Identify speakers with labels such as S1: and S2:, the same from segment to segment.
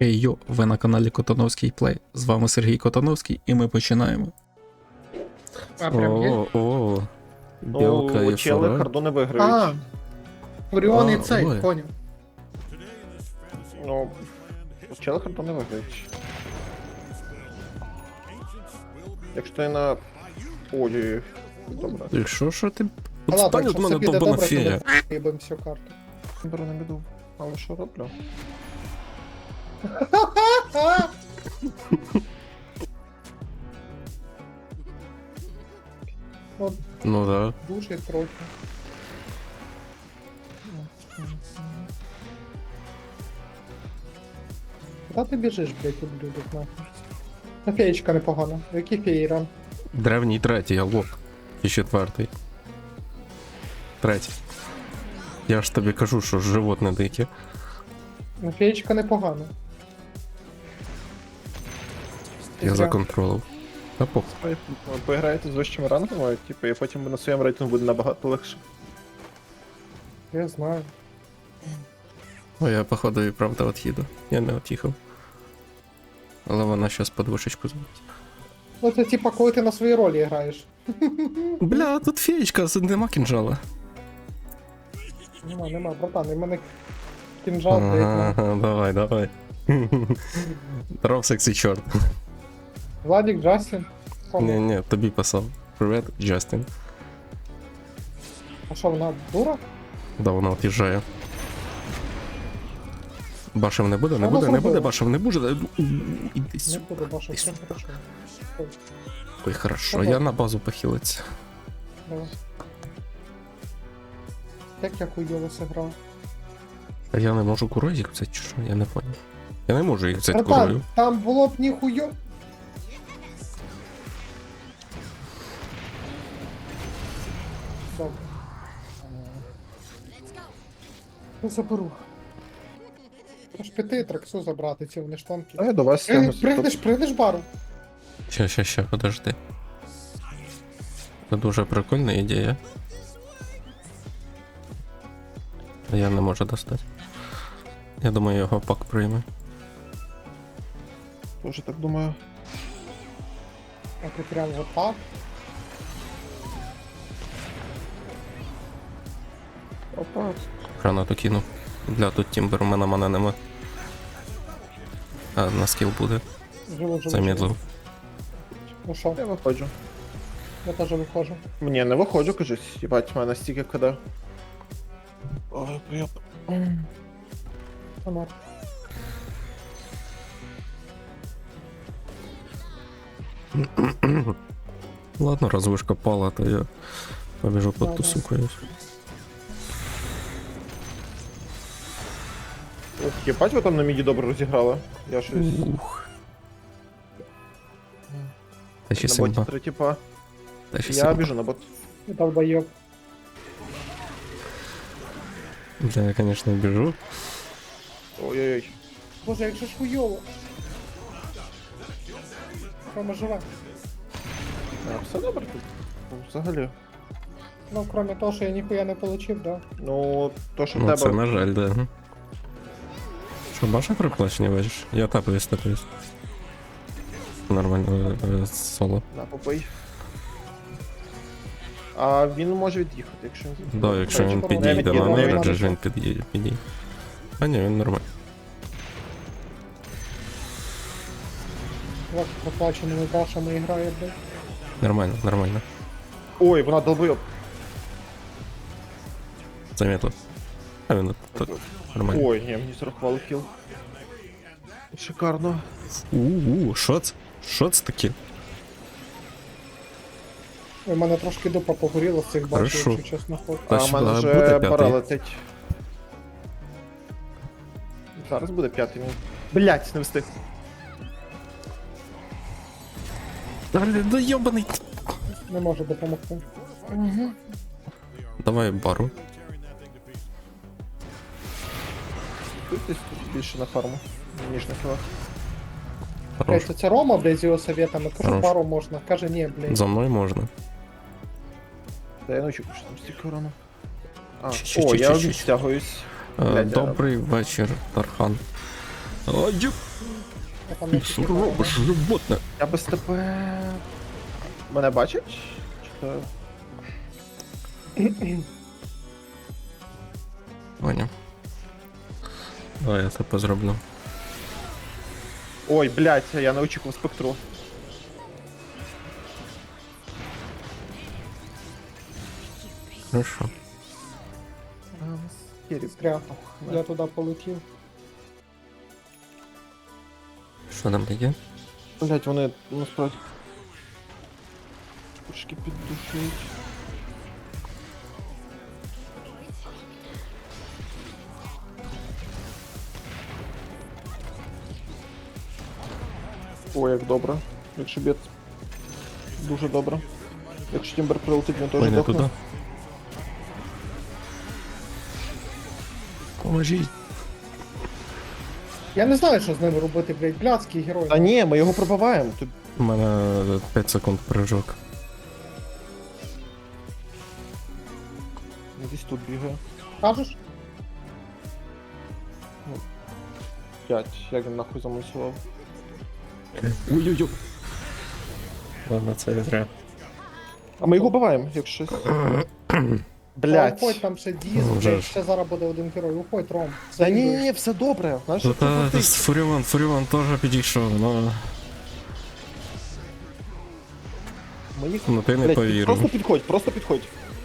S1: Хей йо, ви на каналі Котановський Плей. З вами Сергій Котановський і ми починаємо.
S2: А, прям є?
S1: О, білка
S3: Ну,
S1: і
S3: чели
S1: форель.
S3: харду не виграють.
S2: А, Оріон і
S1: А,
S2: цей,
S1: ой.
S2: поняв.
S3: Ну, чели харду не виграють. Якщо ти на... Ой, добре.
S1: Якщо що ти...
S2: А ладно,
S1: Отстань від
S2: якщо
S1: мене,
S2: все піде
S1: довбана
S2: добре, то
S1: фея.
S2: ми їбем всю карту.
S3: Беру на біду. Але що роблю?
S2: От
S1: Ну да.
S2: дуже трохи. Куди ти біжиш, блядь, ублюдок, нахуй? А феєчка непогана. Який феєран?
S1: Древній третій, алло. І четвертий. Третій. Я ж тобі кажу, що животне дике.
S2: Ну, феєчка непогана.
S1: Я законтролив. Та похуй.
S3: Ви поіграєте з вищими рангами, типу, і потім на своєму рейтингу буде набагато легше.
S2: Я знаю.
S1: О, я походу і правда от'їду. Я не от'їхав. Але вона щас подвушечку зробить.
S2: Ну це типа, коли ти на своїй ролі граєш.
S1: Бля, тут феєчка, нема кінжала.
S2: Нема, братан, і мене кінжал, блядь,
S1: Ага, давай. Здоров, сексy чорт.
S2: Владик, Джастін. Кому?
S1: Ні, тобі писав. Привет, Джастін.
S2: А що, вона дура?
S1: Да, вона от'їжджає. Башев не буде, не
S2: Вона
S1: буде, не буде,
S2: зробила.
S1: башев не буде. Іди
S2: Не
S1: сюди.
S2: буду бачити, все хорошо. Ой,
S1: Ой, хорошо,
S2: Ага.
S1: я на базу похилиться.
S2: давай. Як я хуйово сыграв.
S1: А я не можу курой їх взяти, чи що? Я не понял. Я не можу їх взяти
S2: Братан,
S1: курою.
S2: там було б ніхуйо. Добре. Я заберу. Аж піти траксу забрати ці вони штанки.
S3: А я до вас тягнуся.
S2: Пригнеш бару.
S1: Ща, подожди. Це дуже прикольна ідея. Я не можу достати. Я думаю, його пак прийме.
S3: Тоже так думаю.
S2: А ти прям вот так.
S3: Опа.
S1: Гранату кинув. Бля, тут тімбер, у мене мана нема. А, на скіл буде.
S2: Живу.
S1: Замедлив.
S2: Ну що,
S3: Я виходжу.
S2: я теж виходжу.
S3: Ні, не виходжу, кажуть. Їбать, в мене стільки КД. Ой, поєб.
S2: Фонар.
S1: Ладно, раз вишка пала, то я побіжу
S2: Да,
S1: подтусукаюсь.
S3: Ух, їбать, ви там на міді добре розіграли. Я щось...
S1: Ух. Та ще
S3: На боті
S1: симба.
S3: 3 типа.
S1: Та ще
S3: Я
S1: симба.
S3: біжу на бот.
S2: Долбоёб.
S1: Бля, я, конечно, біжу.
S3: Ой-ой-ой.
S2: Боже, як же ж хуйово. Рома живе.
S3: А, все добре тут. Ну, взагалі.
S2: Ну, кроме того, що я ніхуя не получив, да.
S3: Ну, то, що в
S1: Ну, це
S3: тебе...
S1: на жаль, да. Що, баша приплачення бачиш? Я тапаюсь. Нормально, соло.
S3: На, попий. А він може від'їхати, якщо він...
S1: Да, якщо він
S2: Не
S1: підійде
S3: від'їде,
S1: на
S3: не
S1: нерджі,
S2: від'їде.
S1: ж він підійде. А ні, він нормально.
S2: Як проплаченими башами грає, блядь.
S1: Нормально.
S3: Ой, вона долбойоб.
S1: Заметил. А він тут нормально.
S3: Ой, ні, мені зарахували кіл. Шикарно.
S1: Шоц? Шоц таки?
S2: У мене трошки дупа погоріла з цих башів,
S1: Хорошо.
S2: якщо чесно ход.
S1: Та
S3: А в
S1: що,
S3: мене
S1: а
S3: вже
S1: буде
S3: пора
S1: п'ятий?
S3: летить. Зараз буде п'ятий мій. Блять, не встиг.
S1: Да йобаний.
S2: Не можу допомогти.
S1: Давай бару.
S3: Тут десь тут більше на фарму, ніж на кілах.
S1: Хорош.
S2: Блять, це Рома, блядь, з його советами. Кажу,
S1: Хорош.
S2: пару можна. Каже, ні, блядь.
S1: За мною можна.
S3: Та я ночу, що там стільки урону. А,
S1: Чі-чі,
S3: о, я
S1: чі-чі, чі-чі.
S3: відстягуюсь.
S1: Е,
S3: Блядь,
S1: Добрий вечір, Тархан. Ой,
S2: А там
S1: ти
S2: не
S1: що
S2: такі
S1: робиш, животне?
S3: Я без тебе. Мене бачать? Чи то...
S1: Поняв. Давай я це позроблю.
S3: Ой, блядь, я не очікував спектру.
S1: Хорошо.
S2: Скряг. Я туди полетів.
S1: Що там таке?
S3: Блядь, вони насправді... Трошки піддушують. Ой, як добре. Якщо б'єт... Дуже добре. Якщо Тімбер прилетить, він теж
S1: Ой, не
S3: дохне.
S1: туди. Поможіть.
S2: Я не знаю, що з ними робити, блядь, блядський герой.
S3: Та ні, ми його пробиваємо. Тут...
S1: У мене 5 секунд прыжок.
S3: Він десь тут бігає.
S2: Кажеш?
S3: 5. Як він нахуй замусував.
S1: Ой-ой-ой. Ладно, це я зря.
S3: А ми його вбиваємо, якщо щось. Блять.
S2: Уходь, там ще діз,
S1: Ну, вже
S2: блядь,
S1: ж.
S2: ще зараз буде один герой. Уходь, Ром.
S3: Та ні, все добре. Знаєш, що
S1: Та
S3: це
S1: Фуріон теж підійшов, ну.
S3: Ми їх...
S1: Ну ти не
S3: Блядь,
S1: повірив.
S3: просто підходь.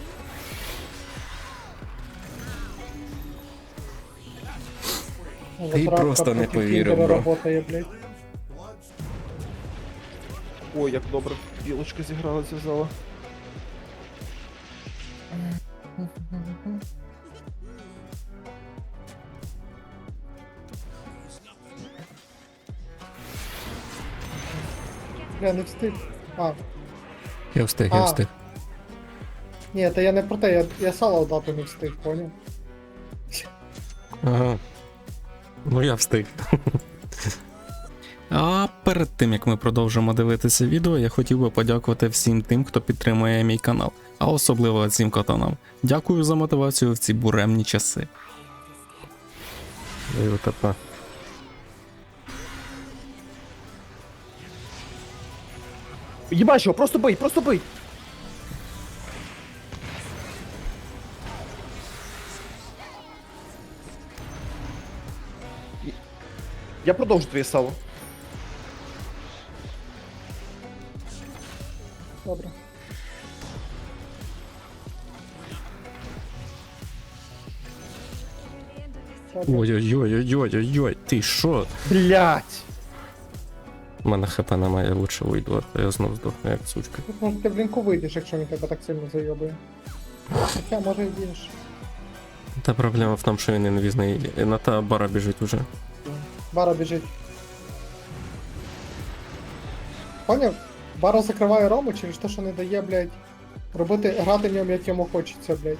S1: Ти просто не повірив, бро.
S2: Работає, блядь.
S3: Ой, як добре. Білочка зіграла, зв'язала.
S2: Бля, не встиг. А,
S1: Я встиг,
S2: А.
S1: я встиг.
S2: ні, та я не про те, я сало дати не встиг, поняв?
S1: Ага. Ну я встиг. А перед тим як ми продовжимо дивитися відео, я хотів би подякувати всім тим, хто підтримує мій канал, а особливо цим катанам. Дякую за мотивацію в ці буремні часи.
S3: Єбаш його, просто бий, просто бий! Я продовжу твоє сало.
S2: Добре. Добре.
S1: Ой-ой-ой-ой-ой-ой, ти що?
S3: Блять!
S1: У мене хп немає, лучше уйду, а то я знов здохну як сучка.
S2: Тут може ти в лінку вийдеш, якщо він тебе так сильно зайобує. Хоча може і більше.
S1: Та проблема в тому, що він інвізний, і на та бара біжить уже.
S2: Бара біжить. Поняв? Бара закриває Рому через те, що не дає, блядь, грати в ньому, як йому хочеться, блядь.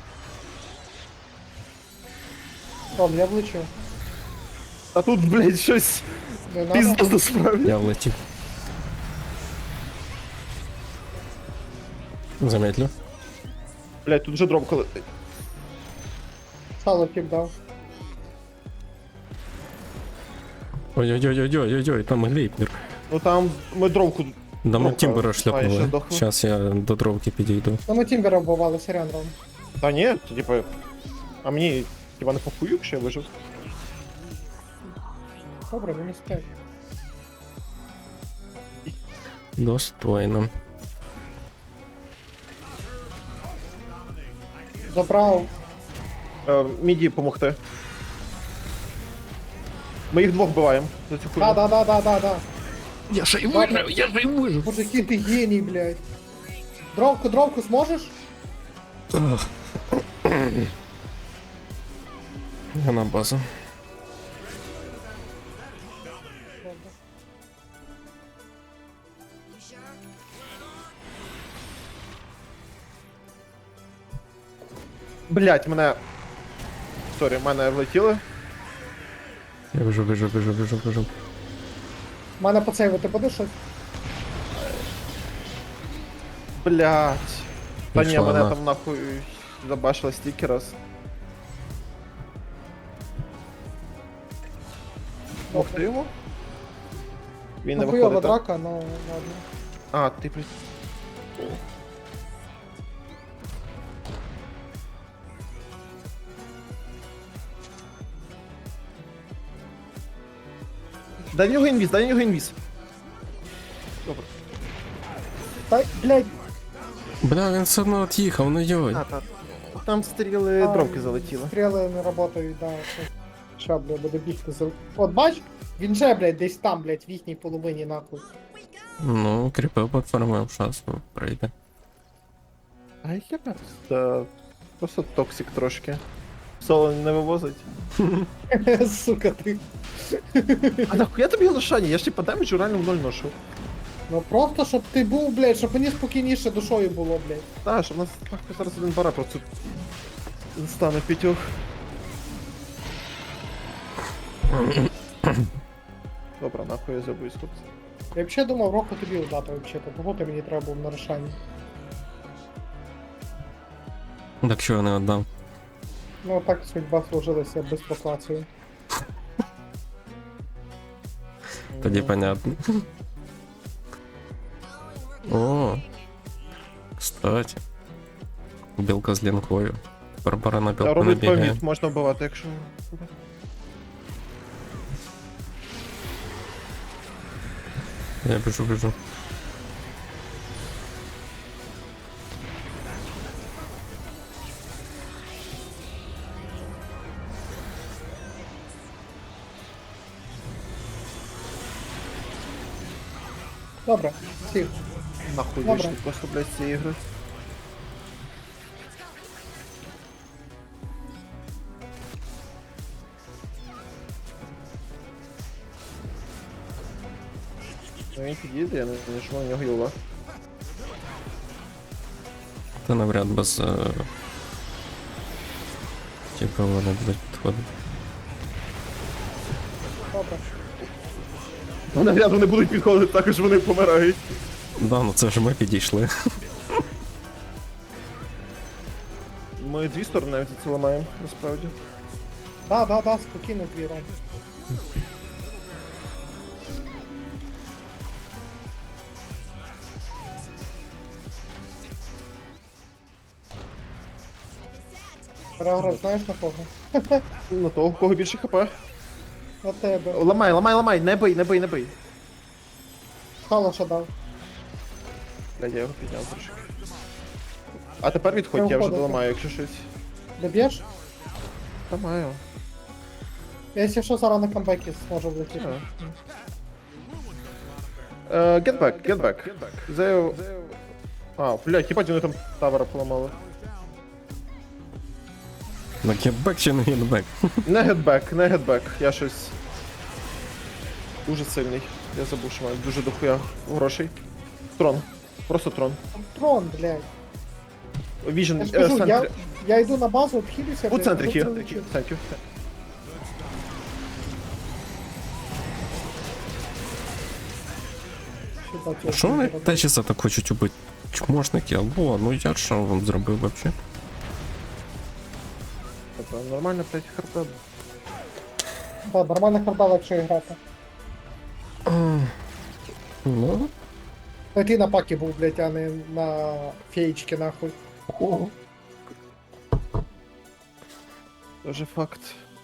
S2: Ром, я влечу.
S3: А тут, блять, щось
S2: Не надо.
S3: пізно насправді.
S1: Я влетів. Замедлю.
S3: Блять, тут вже дробка летить.
S2: Сало кіп дав.
S1: Ой-ой-ой-ой-ой-ой, там глейпнер.
S3: Ну там ми дробку...
S1: Да ми
S3: Дровка.
S1: Тімбера
S3: А, ще
S1: шляпнули.
S3: здохла.
S1: Зараз я до дровки підійду.
S2: Ну ми Тімбера вбивали, сорян, Ром.
S3: Та ні, типа... А мені, типа, не похую, якщо я вижив.
S2: Добре, мінус 5.
S1: Достойно.
S2: Забрав.
S3: Міді помогти. Ми їх двох вбиваємо за цю хуйню.
S2: Да.
S1: Я ще й
S2: вижив,
S1: я ще й вижив.
S2: Боже, який ти геній, блядь. Дровку зможеш?
S1: Я на базу.
S3: Блять, мене... Сорі, мене влетіли.
S1: Я біжу.
S2: У мене поцейвити буде щось?
S3: Блять. Та ні,
S1: Пішла
S3: мене
S1: на.
S3: там нахуй забашила стільки раз. Помогти йому? Він не
S2: Ну, хуйова
S3: виходить, так?
S2: драка, ну ладно.
S3: А, ти при... Дай в нього інвіз, дай в нього інвіз. Добре.
S2: Та, блядь,
S1: Бля, він все одно от'їхав, ну йой.
S3: Так. Там стріли
S2: А,
S3: дромки залетіли.
S2: стріли не працюють, да. Ща, блядь, буде бігти за... От бач, він же, блядь, десь там, блядь, в їхній половині нахуй.
S1: Ну, кріпив подформив, щас прийде.
S3: А яке просто токсик трошки. Соло не вивозить.
S2: Сука, ти.
S3: А нахуя тобі лишання? Я ж типа демеджу реально в ноль ношу.
S2: Ну просто, щоб ти був, блядь, щоб мені спокійніше душою було, блядь.
S3: Та, щоб у нас нахуй зараз один бара просто стане п'ятьох. Добре, нахуй я забуюсь, хлопці.
S2: Я взагалі думав року тобі удати, взагалі, того ти мені треба був на рішання.
S1: Так чого не віддав?
S2: Ну так судьба сложилася без проклації.
S1: Тоді понятно. О, кстати. Білка з лінкою. Барбара на
S3: Та
S1: білку не
S3: робить
S1: бігає.
S3: повіт, можна вбивати, якщо...
S1: Я біжу.
S2: Добре, сів.
S3: Нахуй
S2: Добре.
S3: вийшли просто, блядь, з цієї ігри. Ну він підійде, я не нажму на нього юла.
S1: Та навряд без... Типа вони будуть підходити.
S2: Добре.
S3: Ну, навряд вони будуть підходити, також вони помирають.
S1: Да, ну це ж ми підійшли.
S3: Ми дві сторони навіть це ламаємо, насправді.
S2: Да, спокійно твій ром. Переграв, знаєш на кого?
S3: На того, у кого більше хп.
S2: На тебе.
S3: Ламай, не бий.
S2: Халаша дав.
S3: Блядь, я його підняв трошки. А тепер відходь,
S2: Я
S3: я вже
S2: входив.
S3: доламаю, якщо щось.
S2: Доб'єш?
S3: Ламаю.
S2: Я якщо що зараз на камбекі зможу влетіти.
S3: Get back. Зею... А, блядь, хіба вони там тавера поламали.
S1: Ну гетбек чи не гетбек?
S3: Не get back, я щось... Дуже сильний. Я забув, що маю дуже дохуя грошей. Трон. Просто трон.
S2: Трон, блядь.
S3: Віжен,
S2: Я ж кажу,
S3: центр.
S2: я йду на базу, обхилюся,
S3: У центрі
S2: тут
S3: хір.
S2: залечу.
S3: Thank you.
S2: Що так, я
S1: Що вони
S2: роблю?
S1: течіса так хочуть убити? Чмошники, алло, ну я що вам зробив вообще?
S3: Тобто, нормально, блядь, харта.
S2: Да, нормально харда легше грати.
S1: Ну,
S2: Та ти на пакі був, блядь, а не на феєчки, нахуй.
S3: Тоже факт.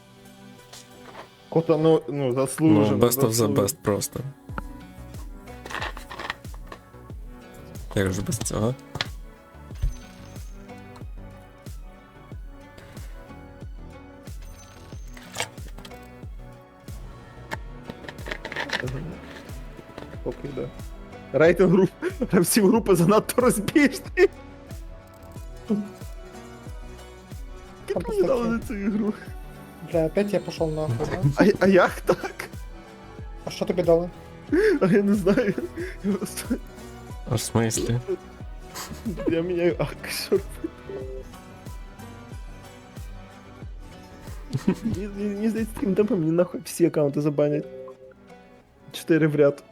S3: Кота, ну
S1: ну
S3: заслужено.
S1: best of the best просто. Як же без цього?
S3: Поки йде. Рейтинг груп. Гравців групи занадто розбіжний. Як
S2: Там
S3: мені дали
S2: постачає.
S3: на цю ігру?
S2: Бля, опять я пошел нахуй, да?
S3: А як так?
S2: А що тобі дали?
S3: А я не знаю. Я просто...
S1: Аж в смислі?
S3: Я міняю акшор. Мені здається, таким темпом мені нахуй всі аккаунти забанять. 4 в ряд.